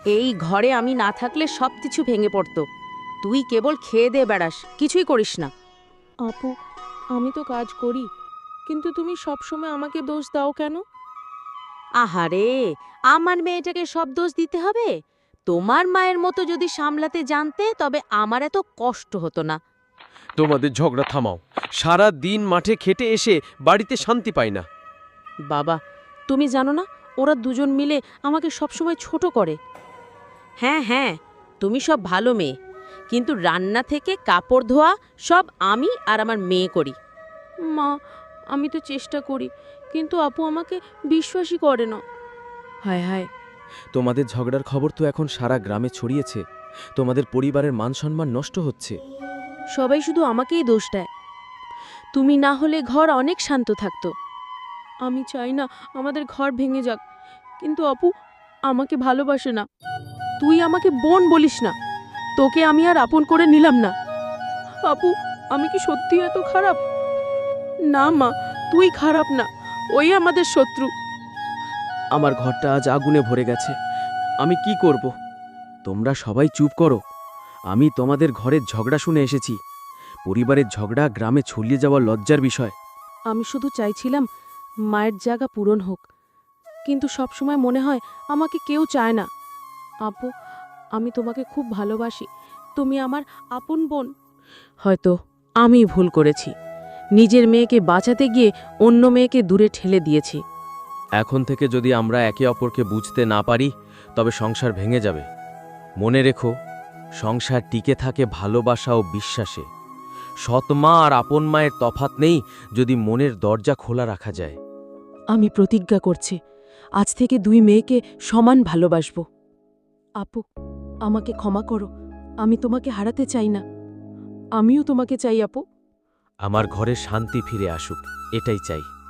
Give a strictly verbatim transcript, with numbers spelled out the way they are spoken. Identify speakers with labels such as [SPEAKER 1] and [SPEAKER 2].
[SPEAKER 1] এই ঘরে আমি না থাকলে সব কিছু ভেঙে পড়তো। তুই কেবল খেয়ে দে বেড়াস, কিছুই করিস না।
[SPEAKER 2] আপু, আমি তো কাজ করি, কিন্তু তুমি সবসময় আমাকে দোষ দাও কেন?
[SPEAKER 1] আহারে, আমার মেয়েটাকে সব দোষ দিতে হবে? তোমার মায়ের মতো যদি সামলাতে জানতে তবে আমার এত কষ্ট হতো না।
[SPEAKER 3] তোমাদের ঝগড়া থামাও। সারা দিন মাঠে খেটে এসে বাড়িতে শান্তি পাই না।
[SPEAKER 2] বাবা, তুমি জানো না ওরা দুজন মিলে আমাকে সবসময় ছোট করে।
[SPEAKER 1] হ্যাঁ হ্যাঁ, তুমি সব ভালো মেয়ে, কিন্তু রান্না থেকে কাপড় ধোয়া সব আমি আর আমার মেয়ে করি।
[SPEAKER 2] মা, আমি তো চেষ্টা করি, কিন্তু আপু আমাকে বিশ্বাসই করে না।
[SPEAKER 4] হায় হায়, তোমাদের ঝগড়ার খবর তো এখন সারা গ্রামে ছড়িয়েছে। তোমাদের পরিবারের মান সম্মান নষ্ট হচ্ছে।
[SPEAKER 2] সবাই শুধু আমাকেই দোষ দেয়। তুমি না হলে ঘর অনেক শান্ত থাকতো। আমি চাই না আমাদের ঘর ভেঙে যাক, কিন্তু আপু আমাকে ভালোবাসে না। তুই আমাকে বোন বলিস না, তোকে আমি আর আপন করে নিলাম না। আপু, আমি কি সত্যি এত খারাপ? না মা, তুই খারাপ না, ওই আমাদের শত্রু।
[SPEAKER 4] আমার ঘরটা আজ আগুনে ভরে গেছে। আমি কি করব? তোমরা সবাই চুপ করো। আমি তোমাদের ঘরের ঝগড়া শুনে এসেছি। পরিবারের ঝগড়া গ্রামে ছড়িয়ে যাওয়া লজ্জার বিষয়।
[SPEAKER 2] আমি শুধু চাইছিলাম মায়ের জায়গা পূরণ হোক, কিন্তু সবসময় মনে হয় আমাকে কেউ চায় না। আপু, আমি তোমাকে খুব ভালোবাসি, তুমি আমার আপন বোন।
[SPEAKER 1] হয়তো আমি ভুল করেছি, নিজের মেয়েকে বাঁচাতে গিয়ে অন্য মেয়েকে দূরে ঠেলে দিয়েছি।
[SPEAKER 4] এখন থেকে যদি আমরা একে অপরকে বুঝতে না পারি, তবে সংসার ভেঙে যাবে। মনে রেখো, সংসার টিকে থাকে ভালোবাসা ও বিশ্বাসে। সৎ মা আর আপন মায়ের তফাৎ নেই যদি মনের দরজা খোলা রাখা যায়।
[SPEAKER 2] আমি প্রতিজ্ঞা করছি, আজ থেকে দুই মেয়েকে সমান ভালোবাসব। আপু, আমাকে ক্ষমা করো, আমি তোমাকে হারাতে চাই না। আমিও তোমাকে চাই আপু।
[SPEAKER 4] আমার ঘরে শান্তি ফিরে আসুক, এটাই চাই।